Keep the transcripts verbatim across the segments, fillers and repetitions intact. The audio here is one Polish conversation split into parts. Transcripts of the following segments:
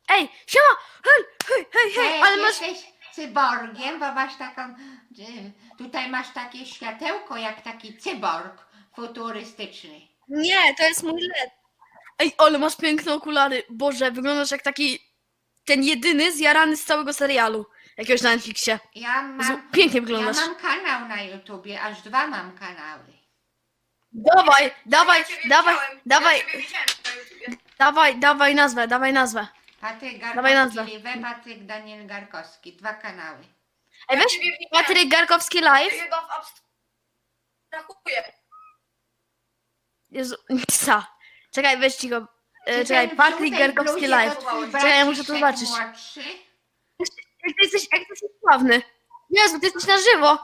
Ej, siema! Hej, hej, hej, hej, Hej, ale masz... jesteś cyborgiem, bo masz taką... y, Tutaj masz takie światełko jak taki cyborg futurystyczny. Nie, to jest mój L E D. Ej, ale masz piękne okulary. Boże, wyglądasz jak taki... Ten jedyny zjarany z całego serialu. Jakiegoś na Netflixie. Ja Jezu, mam, pięknie ja wyglądasz. mam kanał na YouTubie, aż dwa mam kanały. Dawaj, dawaj, Ja ciebie dawaj, widziałem, dawaj, Ja ciebie widziałem na YouTubie. dawaj, dawaj nazwę, dawaj nazwę. Patryk Dawaj nazwę. Garkowski Live, Patryk Daniel Garkowski, dwa kanały. Ej, Ja weź ciebie widziałem. Patryk Garkowski Ty live. chyba w abstrahuję. Jezu, co? Czekaj, weź cicho. E, Czy czekaj, ten w Patryk żółtej Garkowski bluzie live. to twój Czekaj, ja muszę to braciszek zobaczyć. młodszy? Jak ty jesteś, jak ty jesteś sławny. Jezu, ty jesteś na żywo.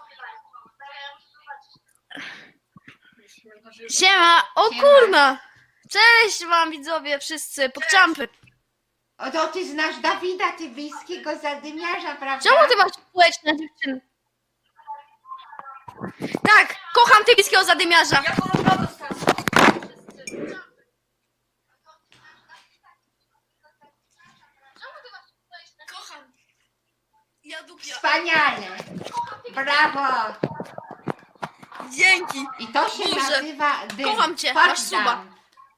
Siema, o Siema. kurna. Cześć wam widzowie wszyscy, pokczampy. O, to ty znasz Dawida Tybyjskiego, zadymiarza, prawda? Czemu ty masz społeczne dziewczyny? Tak, kocham tybiskiego zadymiarza. Ja podobno dostałem. Kocham. Ja dupia. Wspaniale! Brawo! Dzięki. I to się Boże, nazywa dym. kocham cię, Chodź masz suba. tam.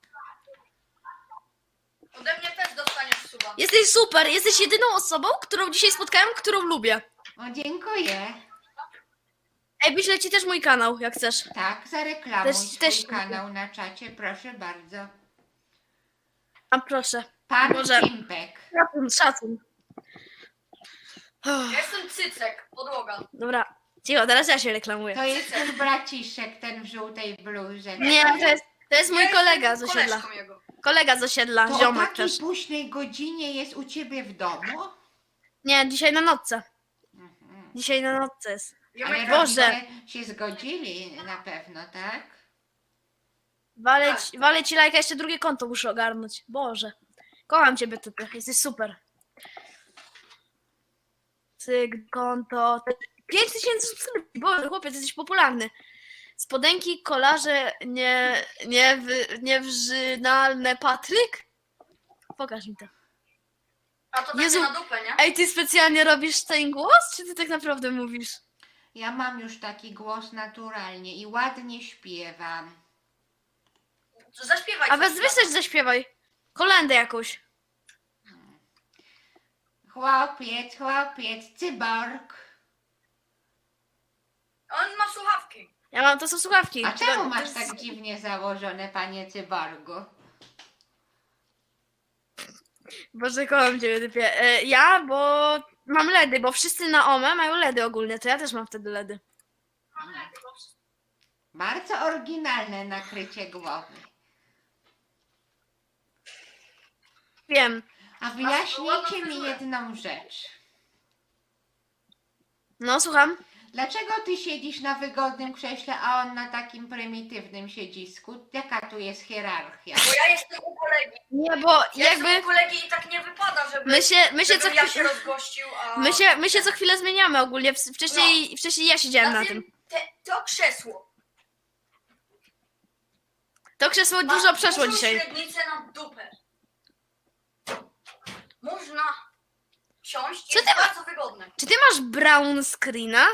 Ode mnie też dostaniesz suba. Jesteś super, jesteś jedyną osobą, którą dzisiaj spotkałem, którą lubię. O, dziękuję. Ej, wyślę ci też mój kanał, jak chcesz. Tak, zareklamuj Też- swój też- kanał na czacie, proszę bardzo. A proszę. Pan Może- Cimpek. Szacun, szacun. Ja jestem cycek, podłoga. Dobra, cicho, teraz ja się reklamuję. To jest ten braciszek, ten w żółtej bluzie. Nie, to jest, to jest mój Ja kolega jestem z osiedla. koleżką jego. Kolega z osiedla, To o ziomek takiej też. późnej godzinie jest u ciebie w domu? Nie, dzisiaj na nocce. Mhm. Dzisiaj na nocce jest. Ale Ziomek, Boże. rodzice się zgodzili na pewno, tak? Walę ci, walę ci lajka, jeszcze drugie konto muszę ogarnąć. Boże. Kocham ciebie, typy. Jesteś super. Cyk, konto. pięć tysięcy subskrypcji. Boże, chłopiec, jesteś popularny. Spodenki, kolarze, nie, nie, wy, niewrzynalne Patryk? Pokaż mi to. A to Jezu. takie na dupę, nie? Ej, ty specjalnie robisz ten głos, czy ty tak naprawdę mówisz? Ja mam już taki głos naturalnie i ładnie śpiewam. To zaśpiewaj. A coś weź weź coś zaśpiewaj. Kolendę jakąś. Chłopiec, chłopiec, cyborg. On ma słuchawki. Ja mam, to są słuchawki. A czemu To- masz to jest- tak dziwnie założone, panie cyborgu? Boże, kocham ciebie, typie. E, ja, bo mam ledy, bo wszyscy na OME mają ledy ogólnie, to ja też mam wtedy ledy. Bardzo oryginalne nakrycie głowy. Wiem. A wyjaśnijcie mi jedną rzecz. No, słucham. Dlaczego ty siedzisz na wygodnym krześle, a on na takim prymitywnym siedzisku? Jaka tu jest hierarchia? Bo ja jestem u kolegi. Nie, bo Ja jakby jestem u kolegi i tak nie wypada, żeby, my się, my się co żebym ja się chwilę, rozgościł, a... my się, my się co chwilę zmieniamy ogólnie. W- Wcześniej, wcześniej ja siedziałem na tym. Te, to krzesło. To krzesło ma dużo przeszło dużą dzisiaj. średnicę na dupę. Można siąść, Co jest ty ma- bardzo wygodne. Czy ty masz brown screena?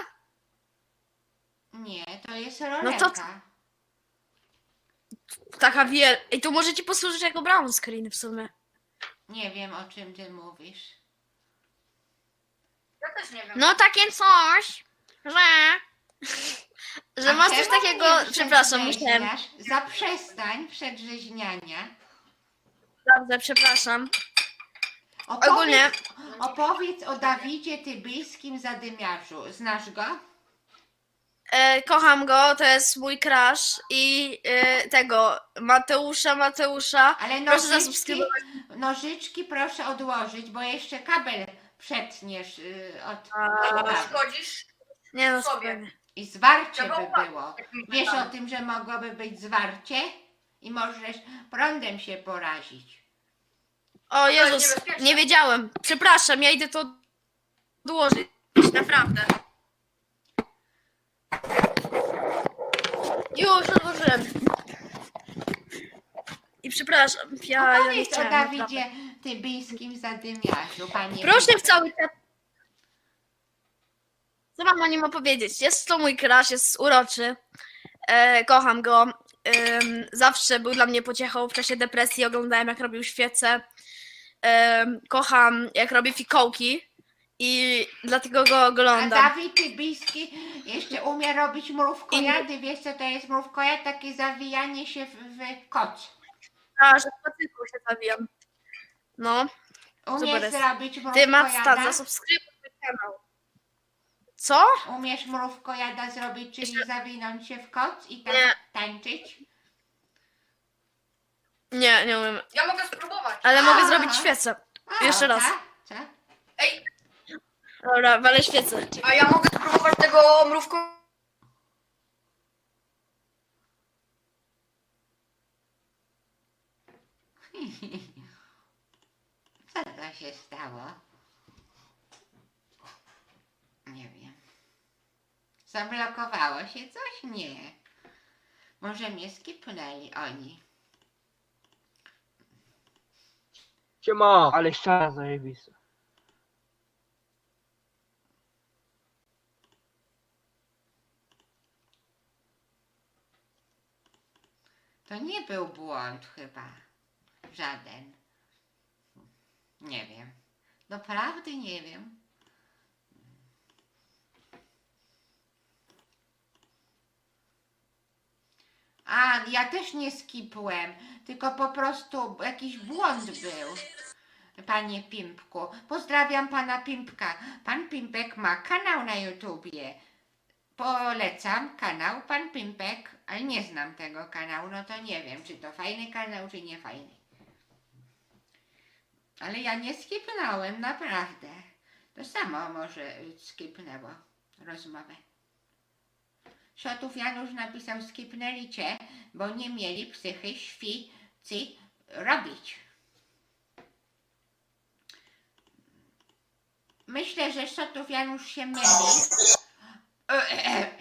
Nie, to jest No roleka. to- Taka wiel... Ej, to może ci posłużyć jako brown screen w sumie. Nie wiem, o czym ty mówisz. Ja też nie wiem. No takie coś, że... Że A masz coś czemu takiego... mnie Przepraszam, musiałem... przedrzeźniasz? Zaprzestań przedrzeźniania. Dobrze, przepraszam. Opowiedz, Ogólnie... opowiedz o Dawidzie Tybyjskim zadymiarzu. Znasz go? E, kocham go, to jest mój crush i e, tego Mateusza, Mateusza. Ale Proszę nożyczki, zasubskrybować. nożyczki proszę odłożyć, bo jeszcze kabel przetniesz y, od, A. od kabla. Szkodzisz Nie no, sobie. spokojnie. I zwarcie Trzeba by uważać, było. jak mi Wiesz pytamy. o tym, że mogłoby być zwarcie i możesz prądem się porazić. O jest Jezus, niebezpieczne. nie wiedziałem. Przepraszam, ja idę to odłożyć. Naprawdę. Już odłożyłem. I przepraszam, ja, ja nie Opowiedz o chciałem. Dawidzie tybijskim zadymiarzu, panie Proszę w Pimpek. cały czas. Co mam o nim opowiedzieć? Jest to mój crush, jest uroczy. E, kocham go. Ym, zawsze był dla mnie pociechą w czasie depresji. Oglądałem, jak robił świece. Ym, kocham, jak robi fikołki. I dlatego go A oglądam. Dawid Tybijski jeszcze umie robić mrówkojady. Wiesz co to jest mrówkojad? Takie zawijanie się w, w koc. A, że w patyku się zawijam. No. Umiesz jest. zrobić Ty, Matsta, mrówkojada? zasubskrybuj mój kanał. Co? Umiesz mrówkojada zrobić, czyli zawinąć się w koc i tak Nie. tańczyć? Nie, nie umiem. Ja mogę spróbować. Ale mogę Aha. zrobić świecę. A, Jeszcze raz. tak? Co? Ej, Dobra, walę świecę. a ja mogę spróbować tego mrówko... Co to się stało? Nie wiem. Zablokowało się coś? Nie. Może mnie skipnęli oni. Siema, ale ściana zajebista. To nie był błąd chyba. Żaden. Nie wiem. Doprawdy nie wiem. A, ja też nie skipłem, tylko po prostu jakiś błąd był. Panie Pimpku. Pozdrawiam pana Pimpka. Pan Pimpek ma kanał na YouTubie. Polecam kanał Pan Pimpek, ale nie znam tego kanału, no to nie wiem, czy to fajny kanał, czy nie fajny. Ale ja nie skipnąłem, naprawdę. To samo może skipnęło rozmowę. Szotów Janusz napisał, skipnęli cię, bo nie mieli psychy świcy robić. Myślę, że Szotów Janusz się myli. E, e,